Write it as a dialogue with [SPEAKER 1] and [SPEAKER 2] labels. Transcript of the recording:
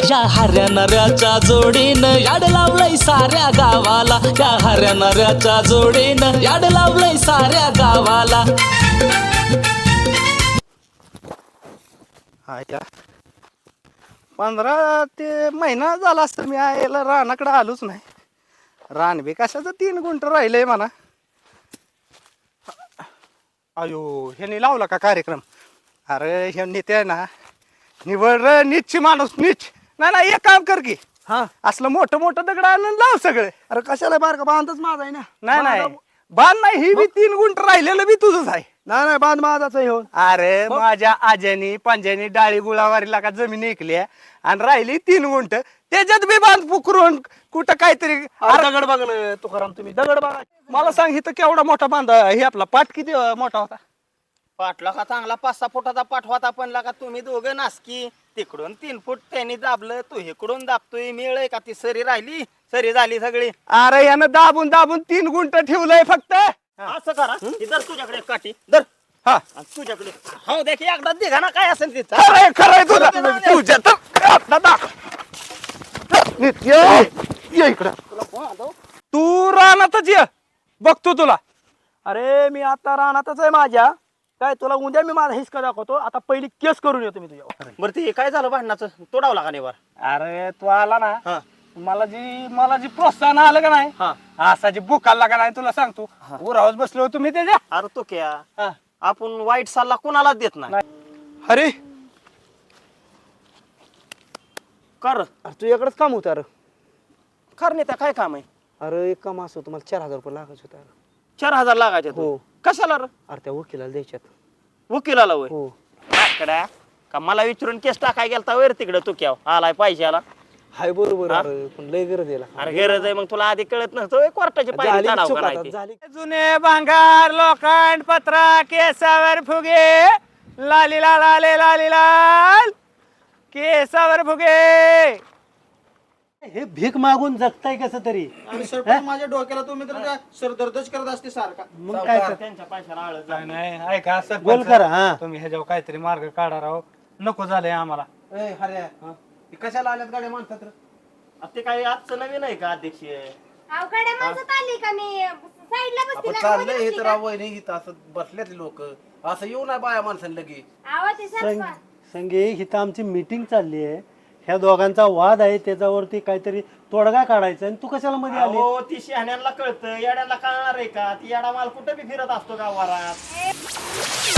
[SPEAKER 1] या हऱ्या नऱ्याच्या जोडीनं याड लावलंय साऱ्या गावाला, या हऱ्या नऱ्याच्या जोडीनं याड लावलंय साऱ्या गावाला.
[SPEAKER 2] आया 15 ते महिना झाला असतं मी यायला रानाकडे आलोच नाही. रान बी कशाचं 3 गुंठ राहिलंय म्हणा. अयो ह्याने लावला का कार्यक्रम? अरे हे नेते आहे ना निवड रे नीच माणूस नीच. नाही एक काम कर की
[SPEAKER 3] हा
[SPEAKER 2] असलं मोठं मोठं दगड आणून लाव सगळे.
[SPEAKER 3] अरे कशाला बारका बांधच माझा आहे ना.
[SPEAKER 2] नाही बांध नाही ही बी 3 गुंठ राहिलेलं बी तुझंच आहे.
[SPEAKER 3] नाही बांध माझाच आहे हो.
[SPEAKER 2] अरे माझ्या आज्यानी पंजानी डाळी गुळावारीला का जमीन ऐकली आणि राहिली 3 गुंठ त्याच्यात बी बांध पुकरून कुठं काहीतरी.
[SPEAKER 3] दगड बघ ना तुकाराम, तुम्ही दगड बघा.
[SPEAKER 2] मला सांग इथं केवढा मोठा बांध हे आपला पाठ किती मोठा होता?
[SPEAKER 4] पाठला का चांगला 5-6 फुटाचा पाठ होता, पण लागा तुम्ही दोघं नासकी. तिकडून 3 फूट त्यांनी दाबलं, तू इकडून दाबतोय. मिळ का ती सरी राहिली, सरी झाली सगळी.
[SPEAKER 2] अरे यानं दाबून दाबून 3 गुंठ ठेवलंय फक्त.
[SPEAKER 4] असं करा, इधर तुझ्याकडे काठी धर.
[SPEAKER 2] हा
[SPEAKER 4] तुझ्याकडे हो देख एकदा दिघा ना काय असेल तिथं.
[SPEAKER 2] खरंय तुझं तुझ्या तर आता दाख. नित्य ये इकडं. तू रानातच ये बघतो तुला.
[SPEAKER 3] अरे मी आता रानातच आहे माझ्या. काय तुला उद्या मी माझा हिसका दाखवतो. आता पहिली केस करून येतो मी तुझ्या.
[SPEAKER 4] बरं ते काय झालं भांडणाचं? तोडावला का नेवर?
[SPEAKER 2] अरे तू आला ना
[SPEAKER 4] हा
[SPEAKER 2] मला जी प्रोत्साहन आलं का नाही
[SPEAKER 4] हा.
[SPEAKER 2] असा जी बुक आला का नाही तुला सांगतो. उरावच बसलो होतो मी त्याच्या.
[SPEAKER 4] अरे तो क्या आपण वाईट सल्ला कोणालाच देत नाही.
[SPEAKER 2] अरे
[SPEAKER 4] कर
[SPEAKER 3] अरे तुझ्याकडेच काम होतं. अरे
[SPEAKER 4] कर त्या काय काम आहे?
[SPEAKER 3] अरे एक काम असं तुम्हाला 4,000 रुपये लागायचे होते.
[SPEAKER 4] 4,000 लागायचे
[SPEAKER 3] हो.
[SPEAKER 4] कशाला रे?
[SPEAKER 3] अरे त्या वकिलाला द्यायच्यात.
[SPEAKER 4] वकिलाला वय
[SPEAKER 3] हो
[SPEAKER 4] आकडा का मला विचारून केस टाकाय गेलता वर तिकडे तू क्या आलाय पैशाला?
[SPEAKER 3] हाय बरोबर.
[SPEAKER 4] हा?
[SPEAKER 3] अरे पण लय गरज आहे.
[SPEAKER 4] अरे गरज आहे मग तुला आधी कळत नसतं कोर्टाची पायरी
[SPEAKER 3] झाली
[SPEAKER 4] चढाव
[SPEAKER 3] चूक आता,
[SPEAKER 4] करायची.
[SPEAKER 3] झाली.
[SPEAKER 2] जुने भांगार लोखंड पत्रा केसावर फुगे लालीला लाले लाली लाल केसावर फुगे.
[SPEAKER 5] हे भीक मागून जगताय कसं तरी.
[SPEAKER 4] माझ्या डोक्याला तुम्ही तर सरदर्दच करत असते सारखा.
[SPEAKER 5] मग काय तर
[SPEAKER 4] त्यांच्या पैशाला आळस
[SPEAKER 2] नाही, नाही ऐका असं
[SPEAKER 5] बोल करा. हा
[SPEAKER 2] तुम्ही ह्याच्यावर काहीतरी मार्ग काढा राव. नको झालंय आम्हाला.
[SPEAKER 5] कशाला आल्यात गाड्या माणसात?
[SPEAKER 4] ते काही आजचं नवीन आहे का अध्यक्ष?
[SPEAKER 6] अवघड माणसात आली का मी साईडला बसते ना
[SPEAKER 5] चाललंय
[SPEAKER 6] मध्ये
[SPEAKER 5] हे
[SPEAKER 6] बसली
[SPEAKER 5] तर
[SPEAKER 6] का?
[SPEAKER 5] आवय नाही इथं असं बसल्यात लोक. असं येऊ नाही बाया माणसांना लगे.
[SPEAKER 6] आवा ते सरपा.
[SPEAKER 7] संगे इथं आमची मीटिंग चालली आहे. ह्या दोघांचा वाद आहे, त्याच्यावरती काहीतरी तोडगा काढायचा आणि तू कशाला मध्ये आली?
[SPEAKER 4] हो ती शहाण्यांना कळतं, येड्यांना कळणार आहे का? ती येडा माल कुठे बी फिरत असतो गावात.